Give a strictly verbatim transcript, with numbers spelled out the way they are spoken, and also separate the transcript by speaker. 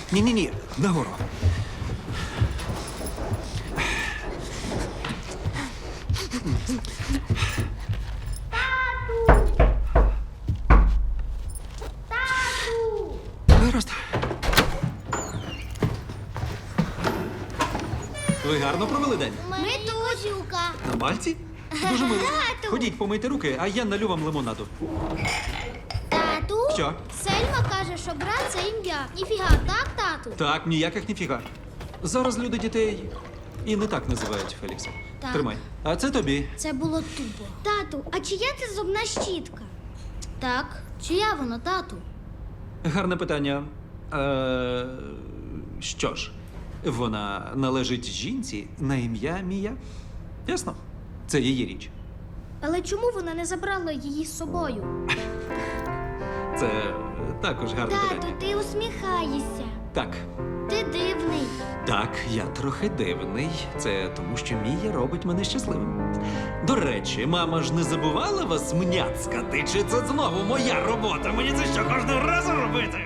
Speaker 1: Ні-ні-ні, нагору. Гаразд. Ви гарно провели день?
Speaker 2: Ми тут.
Speaker 1: На Мальці? Дуже мило.
Speaker 2: Тату.
Speaker 1: Ходіть, помийте руки, а я налю вам лимонаду.
Speaker 2: Тату?
Speaker 1: Що?
Speaker 2: Сельма каже, що брат це ім'я. Ніфіга, так, тату?
Speaker 1: Так, ніяких ніфіга. Зараз люди дітей і не так називають Фелікса.
Speaker 2: Так.
Speaker 1: Тримай. А це тобі.
Speaker 2: Це було тупо. Тату, а чия це зубна щітка? Так, чия вона, тату?
Speaker 1: Гарне питання. Е, що ж, вона належить жінці на ім'я Мія. Ясно? Це її річ.
Speaker 2: Але чому вона не забрала її з собою?
Speaker 1: Це також гарне
Speaker 2: Тату,
Speaker 1: питання.
Speaker 2: ти усміхаєшся.
Speaker 1: Так.
Speaker 2: Ти дивний.
Speaker 1: Так, я трохи дивний. Це тому, що Мія робить мене щасливим. До речі, мама ж не забувала вас мняцкати? Чи це знову моя робота? Мені це що, кожного разу робити?